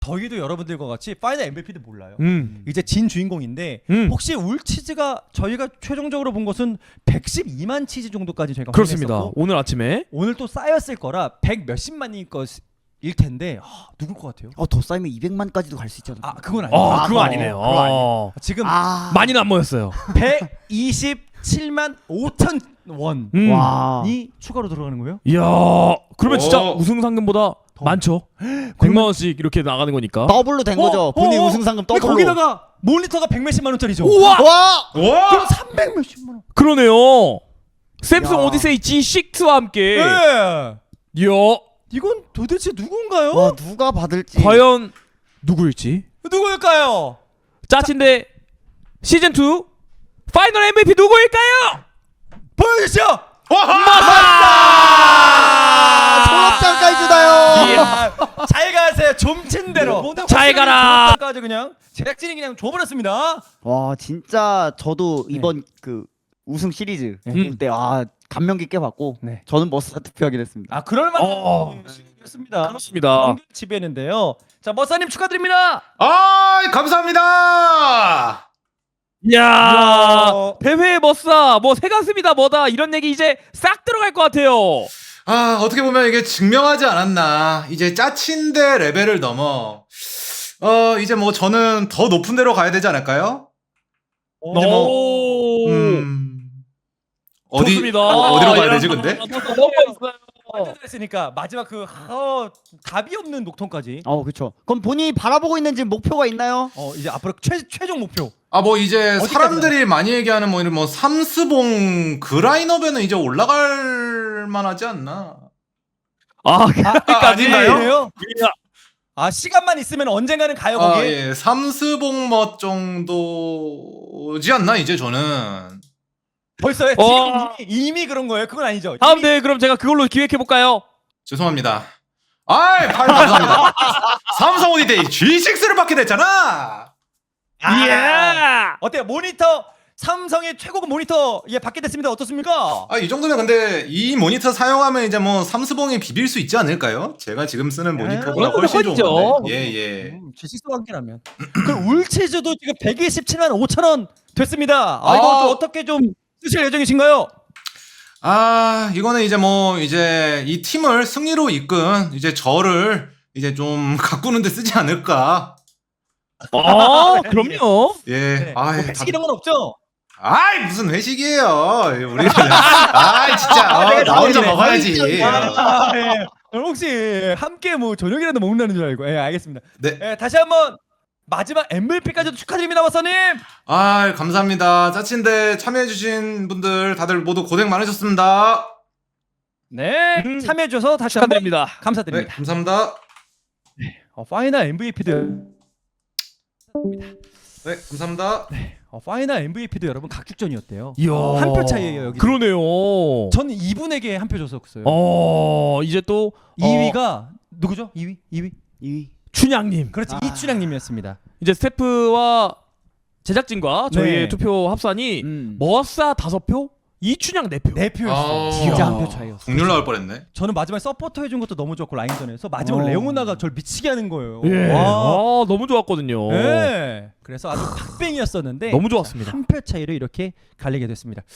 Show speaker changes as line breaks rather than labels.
저희도 여러분들과 같이 파이널 MVP도 몰라요.
이제
진 주인공인데 혹시 울치즈가 저희가 최종적으로 본 것은 112만 치즈 정도까지 저희가
그렇습니다.
확인했었고,
오늘 아침에
오늘 또 쌓였을 거라 100 몇십만일 것일 텐데 누굴 것 같아요?
더 쌓이면 200만까지도 갈 수 있잖아.
아 그건 아니에요.
그거 아니네요.
지금
많이는 안 모였어요.
127만 5천 원이
와.
추가로 들어가는 거예요?
이야, 그러면 진짜
오.
우승 상금보다 많죠. 100만 원씩 이렇게 나가는 거니까.
더블로 된 거죠. 본인 우승 상금
근데
더블로.
거기다가 모니터가 100 몇십만 원짜리죠.
우와!
와!
와!
그럼 300 몇십만 원.
그러네요. 샘sung
야.
오디세이 G6와 함께.
네.
이야,
이건 도대체 누군가요?
와, 누가 받을지.
과연 누구일지.
누구일까요?
짜친데 시즌 2 파이널 MVP 누구일까요?
보여주시죠.
졸업장까지 주나요?
잘 가세요. 좀친 대로.
잘 가라.
까지 그냥 제작진이 그냥 줘버렸습니다.
와, 진짜 저도 이번 그 우승 시리즈 때 감명 깊게 봤고
네.
저는 머싸 투표하긴 했습니다.
아 그럴 만한 시기였습니다.
그렇습니다.
지배했는데요. 자 머싸님 축하드립니다.
아, 감사합니다.
이야, 대회 머싸 뭐 새가슴이다 뭐다 이런 얘기 이제 싹 들어갈 것 같아요.
아, 어떻게 보면 이게 증명하지 않았나. 이제 짜친데 레벨을 넘어. 이제 뭐 저는 더 높은 데로 가야 되지 않을까요? 이제 뭐,
좋습니다.
어디로 가야 되지 근데?
했으니까 마지막 그 답이 없는 녹턴까지.
그렇죠. 그럼 본인이 바라보고 있는 지금 목표가 있나요?
이제 앞으로 최종 목표.
아, 뭐 이제
어디까지
사람들이 많이 얘기하는 뭐 이런 뭐 삼스봉 그 라인업에는 이제 올라갈 만하지 않나.
아닌가요? 시간만 있으면 언젠가는 가요 거기.
예, 삼스봉 멋 정도지 않나 이제 저는.
벌써요? 지금 이미 그런 거예요? 그건 아니죠?
다음 대회 그럼 제가 그걸로 기획해 볼까요?
죄송합니다. 아이, 팔 감사합니다. 삼성 오디데이 G6를 받게 됐잖아.
예.
어때요? 모니터 삼성의 최고급 모니터 받게 됐습니다. 어떻습니까?
이 정도면 근데 이 모니터 사용하면 이제 뭐 삼스봉이 비빌 수 있지 않을까요? 제가 지금 쓰는 모니터보다
그건
훨씬 좋은
헐죠.
건데. 예.
G6 관계라면. 그럼 울치즈도 지금 127만 5천 원 됐습니다. 이거 좀 어떻게 좀 쓰실 예정이신가요?
이거는 이제 뭐 이제 이 팀을 승리로 이끈 이제 저를 이제 좀 가꾸는 데 쓰지 않을까.
그럼요.
예.
네. 회식 이런 건 없죠?
무슨 회식이에요. 우리 진짜 나 혼자 먹어야지.
예. 혹시 함께 뭐 저녁이라도 먹는다는 줄 알고. 알겠습니다.
네.
다시 한번 마지막 MVP까지도 축하드립니다, 마사님.
감사합니다. 짜친데 참여해주신 분들 다들 모두 고생 많으셨습니다.
네, 참여해주셔서 다시 한번
축하드립니다.
네,
감사드립니다.
감사합니다.
파이널 MVP도
네, 감사합니다.
파이널 MVP도 여러분 각축전이었대요.
이야.
한 표 차이예요 여기.
그러네요.
저는 이분에게 한 표 줬었어요.
이제 또
2위가 누구죠? 2위?
춘향님.
그렇지, 이춘향님이었습니다.
이제 스태프와 제작진과 저희의
네.
투표 합산이 머싸 5표, 이춘향 4표.
4표였어요. 진짜 한 표 차이였어요.
국률 나올 뻔했네.
저는 마지막에 서포터 해준 것도 너무 좋았고 라인전에서 마지막 레오나가 저를 미치게 하는 거예요.
예.
와.
너무 좋았거든요.
네. 그래서 아주 팍뱅이었었는데
너무 좋았습니다.
한 표 차이로 이렇게 갈리게 됐습니다.